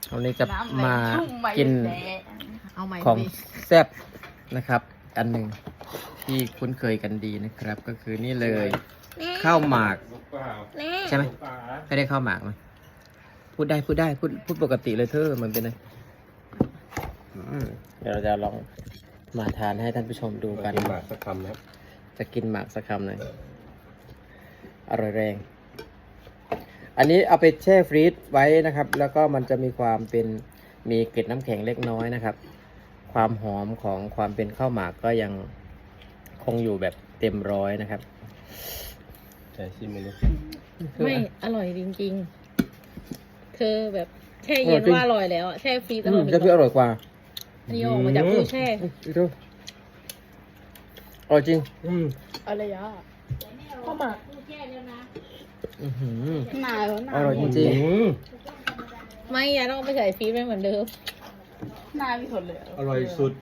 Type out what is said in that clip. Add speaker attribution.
Speaker 1: วันนี้จะมากิน
Speaker 2: เอาใหม่
Speaker 1: ของแซ่บนะครับ อันหนึ่งที่คุ้นเคยกันดีนะครับ ก็คือนี่เลยข้าวหมากใช่ไหมไม่ได้ข้าวหมากไหมพูดได้พูดปกติเลยเธอมันเป็นไงเดี๋ยวเราจะลองมาทานให้ท่านผู้ชมดูกัน
Speaker 3: กินหมากสักคำนะครับ
Speaker 1: จะกินหมากสักคำหน่อยอร่อยแรง อันนี้เอาไปแช่ฟรีซไว้นะครับ แล้วก็มันจะมีความเป็นมีเกล็ดน้ำแข็งเล็กน้อยนะครับ ความหอมของความเป็นข้าวหมากก็ยังคงอยู่แบบเต็มร้อยนะครับ
Speaker 3: ใช่ชิมไม่รู้
Speaker 2: ไม่อร่อยจริงๆ เธอแบบแช่เย็นว่าอร่อยแล้วอะแช่ฟรีซอร่อย
Speaker 1: จะพี่อร่อยกว่า
Speaker 2: อันนี้ออกมาจากตู้แช่
Speaker 1: ดูอร่อยจริง
Speaker 2: อะไรอ่ะข้าวหมาก
Speaker 1: อื้อหือ
Speaker 2: หนาวหนา
Speaker 1: อ
Speaker 2: ว
Speaker 1: ร่อยจริง
Speaker 2: ไม่ยาต้องเอาไปใส่ฟรีซไม่เหมือนเดิมหนาไม่ทนเลย
Speaker 3: อร่อยสุด